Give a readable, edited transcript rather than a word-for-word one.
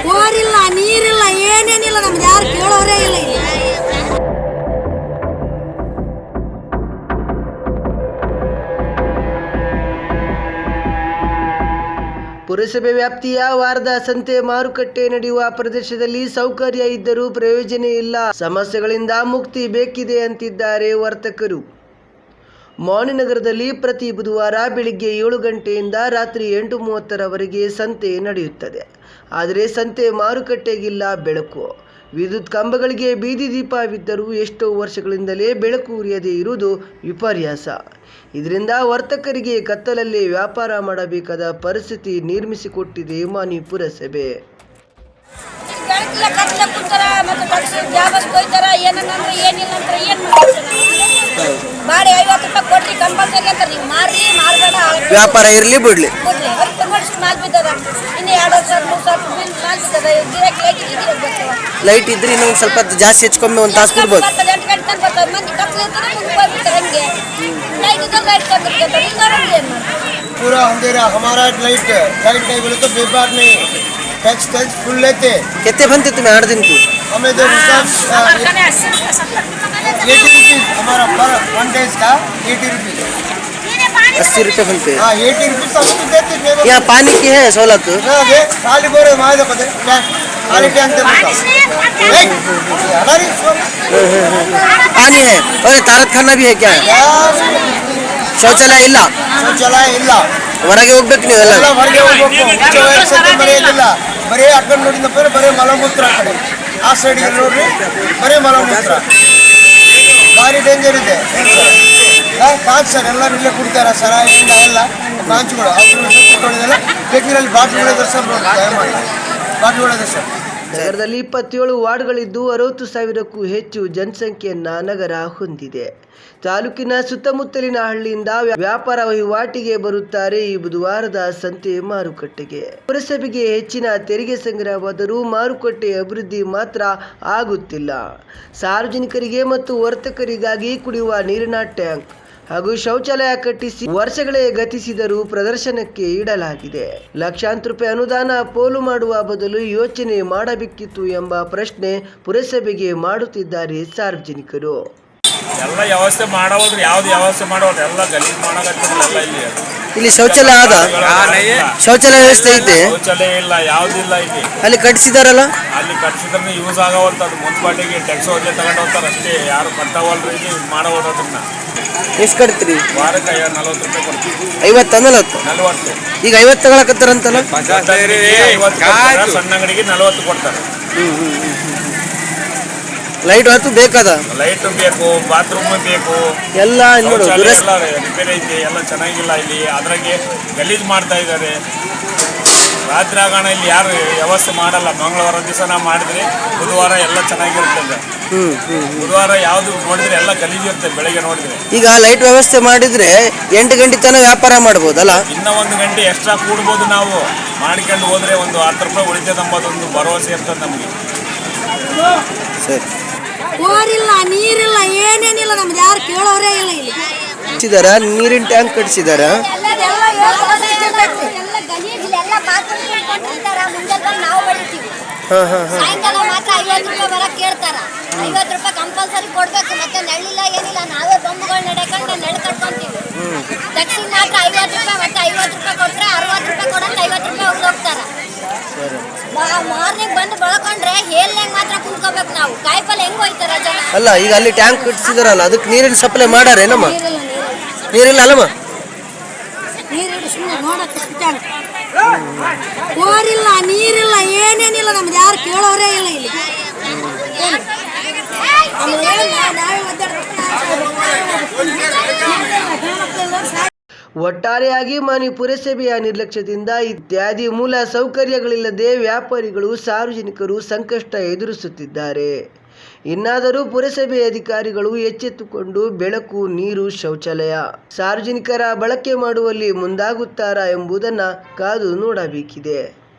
ಬೋರಿಲ್ಲ, ನೀರಿಲ್ಲ, ಏನೇನಿಲ್ಲ. ನಮ್ಗೆ ಯಾರು ಕೇಳೋರೇ ಇಲ್ಲ ಇಲ್ಲಿ. ಪುರಸಭೆ ವ್ಯಾಪ್ತಿಯ ವಾರದ ಸಂತೆ ಮಾರುಕಟ್ಟೆ ನಡೆಯುವ ಪ್ರದೇಶದಲ್ಲಿ ಸೌಕರ್ಯ ಇದ್ದರೂ ಪ್ರಯೋಜನ ಇಲ್ಲ, ಸಮಸ್ಯೆಗಳಿಂದ ಮುಕ್ತಿ ಬೇಕಿದೆ ಅಂತಿದ್ದಾರೆ ವರ್ತಕರು. ಮೌನಿನಗರದಲ್ಲಿ ಪ್ರತಿ ಬುಧವಾರ ಬೆಳಿಗ್ಗೆ 7 ಗಂಟೆಯಿಂದ ರಾತ್ರಿ 8:30ರವರೆಗೆ ಸಂತೆ ನಡೆಯುತ್ತದೆ. ಆದರೆ ಸಂತೆ ಮಾರುಕಟ್ಟೆಗಿಲ್ಲ ಬೆಳಕು. ವಿದ್ಯುತ್ ಕಂಬಗಳಿಗೆ ಬೀದಿ ದೀಪವಿದ್ದರೂ ಎಷ್ಟೋ ವರ್ಷಗಳಿಂದಲೇ ಬೆಳಕು ಉರಿಯದೇ ಇರುವುದು ವಿಪರ್ಯಾಸ. ಇದರಿಂದ ವರ್ತಕರಿಗೆ ಕತ್ತಲಲ್ಲಿ ವ್ಯಾಪಾರ ಮಾಡಬೇಕಾದ ಪರಿಸ್ಥಿತಿ ನಿರ್ಮಿಸಿಕೊಟ್ಟಿದೆ ಮಾನಿ ಪುರಸಭೆ. ವ್ಯಾಪಾರ ಇರಲಿ ಬಿಡ್ಲಿ, ಲೈಟ್ ಇದ್ರೆ ಇನ್ನೊಂದು ಸ್ವಲ್ಪ ಜಾಸ್ತಿ ಹೆಚ್ಚಿಕೊಮ್ಮೆ ಒಂದು ತಾಸು ಕೊಡ್ಬೋದು. पूरा अंधेरा हमारा लाइट नहीं बोले तो बेकार नहीं, टैक्स फुल लेते. कितने बनते तुम्हें 8 दिन को? हमें जो 80 रुपीज हमारा पर 1 डेज का 80 रुपीज 80 रुपये बनते हैं. हाँ 80 रुपीज सब देते. यहाँ पानी की है सहूलत? खाली बोरे मारे पता खाली टैंक पानी है. और तारत खाना भी है क्या? ಶೌಚಾಲಯ ಇಲ್ಲ. ಶೌಚಾಲಯ ಇಲ್ಲ. ಹೊರಗೆ ಹೋಗ್ಬೇಕು ನೀವೆಲ್ಲ. ಹೊರಗೆ ಹೋಗ್ಬೇಕು. ಬರೆಯೋದಿಲ್ಲ. ಬರೀ ಆ ಕಡೆ ನೋಡಿದಪ್ಪ ಬರೀ ಮಲಮೂತ್ರ. ಆ ಕಡೆ ಆ ಸೈಡ್ಗೆ ನೋಡ್ರಿ ಬರೀ ಮಲಮೂತ್ರ. ಭಾರಿ ಡೇಂಜರ್ ಇದೆ ಕಾಂಚ್ ಸರ್. ಎಲ್ಲರೂ ಇಲ್ಲೇ ಕುಡಿತಾರ ಸರ ಎಲ್ಲ ಕಾಂಚ್ಗಳು ತೊಳೆದೆಲ್ಲ ಬೇಕಿರಲ್ಲಿ ಬಾಟ್ಲಿಗಳಿದೆ ಸರ್. ದಯಮಾಡಿ ಬಾಟ್ಲಿಗಳಿದೆ ಸರ್. ನಗರದಲ್ಲಿ 27 ವಾರ್ಡ್ಗಳಿದ್ದು 60,000ಕ್ಕೂ ಹೆಚ್ಚು ಜನಸಂಖ್ಯೆಯನ್ನ ನಗರ ಹೊಂದಿದೆ. ತಾಲೂಕಿನ ಸುತ್ತಮುತ್ತಲಿನ ಹಳ್ಳಿಯಿಂದ ವ್ಯಾಪಾರ ವಹಿವಾಟಿಗೆ ಬರುತ್ತಾರೆ ಈ ಬುಧವಾರದ ಸಂತೆ ಮಾರುಕಟ್ಟೆಗೆ. ಪುರಸಭೆಗೆ ಹೆಚ್ಚಿನ ತೆರಿಗೆ ಸಂಗ್ರಹವಾದರೂ ಮಾರುಕಟ್ಟೆ ಅಭಿವೃದ್ಧಿ ಮಾತ್ರ ಆಗುತ್ತಿಲ್ಲ. ಸಾರ್ವಜನಿಕರಿಗೆ ಮತ್ತು ವರ್ತಕರಿಗಾಗಿ ಕುಡಿಯುವ ನೀರಿನ ಟ್ಯಾಂಕ್ ಹಾಗೂ ಶೌಚಾಲಯ ಕಟ್ಟಿಸಿ ವರ್ಷಗಳೇ ಗತಿಸಿದರೂ ಪ್ರದರ್ಶನಕ್ಕೆ ಇಡಲಾಗಿದೆ. ಲಕ್ಷಾಂತರ ರೂಪಾಯಿ ಅನುದಾನ ಪೋಲು ಮಾಡುವ ಬದಲು ಯೋಚನೆ ಮಾಡಬೇಕಿತ್ತು ಎಂಬ ಪ್ರಶ್ನೆ ಪುರಸಭೆಗೆ ಮಾಡುತ್ತಿದ್ದಾರೆ ಸಾರ್ವಜನಿಕರು. ಎಲ್ಲ ವ್ಯವಸ್ಥೆ ಮಾಡೋದ್ರೆ ಯಾವ್ದು ವ್ಯವಸ್ಥೆ ಮಾಡೋದು ಎಲ್ಲ ಗಲೀಜು ಮಾಡಕತ್ತಿರಲ್ಲ. ಇಲ್ಲಿ ಶೌಚಾಲಯ ಆದ? ಶೌಚಾಲಯ ವ್ಯವಸ್ಥೆ ಐತೆ? ಶೌಚಾಲಯ ಇಲ್ಲ, ಯಾವ್ದಿಲ್ಲ ಇಲ್ಲಿ. ಅಲ್ಲಿ ಕಟ್ಸಿದಾರಲ್ಲ? ಅಲ್ಲಿ ಕಟ್ಸಿದ್ರೆ ಯೂಸ್ ಆಗವಲ್ತ. ಅದು ಮುನ್ಸಿಪಾಲಿಟಿಗೆ ಟ್ಯಾಕ್ಸ್ ಹೋಗಿ ತಗೊಂಡು ಹೋಗ್ತಾರೆ ಅಷ್ಟೇ. ಯಾರು ಕಟ್ಟವಲ್ರಿ ಇಲ್ಲಿ ಮಾಡೋದನ್ನ. ಎಷ್ಟು ಕಟ್ತೀರಿ? ವಾರಕ್ಕೆ 40 ರೂಪಾಯಿ ಕೊಡ್ತೀವಿ. 50 40. ಈಗ 50 ತಗೊಳಕತ್ತಾರಂತಲ್ಲ? 50 ಸಣ್ಣ ಅಂಗಡಿಗೆ 40 ಕೊಡ್ತಾರೆ. ಲೈಟ್ ಹೊತ್ತು ಬೇಕಾದ? ಲೈಟ್ ಬೇಕು, ಬಾತ್ರೂಮ್ ಬೇಕು, ಎಲ್ಲ ರಿಪೇರಿ ಐತಿ. ಎಲ್ಲ ಚೆನ್ನಾಗಿಲ್ಲ ಇಲ್ಲಿ. ಅದ್ರಾಗೆ ಗಲೀಜು ಮಾಡ್ತಾ ಇದ್ದಾರೆ. ರಾತ್ರಿ ಆಗೋಣ ಇಲ್ಲಿ ಯಾರು ವ್ಯವಸ್ಥೆ ಮಾಡಲ್ಲ. ಮಂಗಳವಾರ ದಿವಸ ನಾವು ಮಾಡಿದ್ರೆ ಬುಧವಾರ ಎಲ್ಲ ಚೆನ್ನಾಗಿರ್ತದೆ. ಬುಧವಾರ ಯಾವ್ದು ನೋಡಿದ್ರೆ ಎಲ್ಲ ಗಲೀಜು ಇರ್ತದೆ ಬೆಳಗ್ಗೆ ನೋಡಿದ್ರೆ. ಈಗ ಲೈಟ್ ವ್ಯವಸ್ಥೆ ಮಾಡಿದ್ರೆ 8 ಗಂಟೆ ತನಕ ವ್ಯಾಪಾರ ಮಾಡ್ಬೋದಲ್ಲ? ಇನ್ನ 1 ಗಂಟೆ ಎಕ್ಸ್ಟ್ರಾ ಕೂಡ್ಬೋದು. ನಾವು ಮಾಡ್ಕೊಂಡು ಹೋದ್ರೆ ಒಂದು 10 ರೂಪಾಯಿ ಉಳಿತದೆ ಎಂಬುದೊಂದು ಭರವಸೆ ಇರ್ತದೆ ನಮಗೆ. ಸರಿ. ಬೋರಿಲ್ಲ, ನೀರಿಲ್ಲ, ಏನೇನಿಲ್ಲ. ನಮ್ಗೆ ಯಾರು ಕೇಳೋರೇ ಇಲ್ಲ ಇಲ್ಲಿ. ಕಟ್ಸಿದಾರ? ನೀರಿನ ಟ್ಯಾಂಕ್ ಕಟ್ಸಿದಾರ? ಸಾಯಂಕಾಲ ಮಾತ್ರ 50 ರೂಪಾಯಿ ಬರಕ್ ಕೇಳ್ತಾರ. 50 ರೂಪಾಯಿ ಕಂಪಲ್ಸರಿ ಕೊಡ್ಬೇಕು. ಮತ್ತೆ ನೆಳ್ಳಿಲ್ಲ ಏನಿಲ್ಲ, ನಾವೇ ಬೊಂಬುಗಳು ನಡ್ಕೊಂಡು ನೆಳ್ಳು ಕಟ್ಕೊಂತೀವಿ. ದಕ್ಷಿಣ ಮಾತ್ರ 50 ರೂಪಾಯಿ. ಮತ್ತೆ 50 ರೂಪಾಯಿ ಕೊಟ್ರೆ 60 ರೂಪಾಯಿ ಕೊಡಂತ 50 ರೂಪಾಯಿ ಹೋಗ್ತಾರ. ಮಾರ್ನಿಂಗ್ ಬಂದು ಬಳಕೊಂಡ್ರೆ ಹೇಲ್ನಾಗ ಮಾತ್ರ ಕುಂತ್ಕೋಬೇಕು ನಾವು. ಕಾಯಿಪಲ್ಲೆ ಹೆಂಗ್ ಹೋಯ್ತಾರ ಜನ. ಅಲ್ಲ ಈಗ ಅಲ್ಲಿ ಟ್ಯಾಂಕ್ ಕಟ್ಸಿದಾರಲ್ಲ, ಅದಕ್ಕೆ ನೀರಿನ ಸಪ್ಲೈ ಮಾಡಾರೇನಮ್ಮ? ನೀರಿಲ್ಲ ಅಲ್ಲಮ್ಮ? ಬೋರಿಲ್ಲ, ನೀರಿಲ್ಲ, ಏನೇನಿಲ್ಲ. ನಮ್ಗೆ ಯಾರು ಕೇಳೋರೇ ಇಲ್ಲ ಇಲ್ಲಿ. ಒಟ್ಟಾರೆಯಾಗಿ ಮಾನಿ ಪುರಸಭೆಯ ನಿರ್ಲಕ್ಷ್ಯದಿಂದ ಇತ್ಯಾದಿ ಮೂಲ ಸೌಕರ್ಯಗಳಿಲ್ಲದೆ ವ್ಯಾಪಾರಿಗಳು ಸಾರ್ವಜನಿಕರು ಸಂಕಷ್ಟ ಎದುರಿಸುತ್ತಿದ್ದಾರೆ. ಇನ್ನಾದರೂ ಪುರಸಭೆ ಅಧಿಕಾರಿಗಳು ಎಚ್ಚೆತ್ತುಕೊಂಡು ಬೆಳಕು, ನೀರು, ಶೌಚಾಲಯ ಸಾರ್ವಜನಿಕರ ಬಳಕೆ ಮಾಡುವಲ್ಲಿ ಮುಂದಾಗುತ್ತಾರಾ ಎಂಬುದನ್ನು ಕಾದು ನೋಡಬೇಕಿದೆ.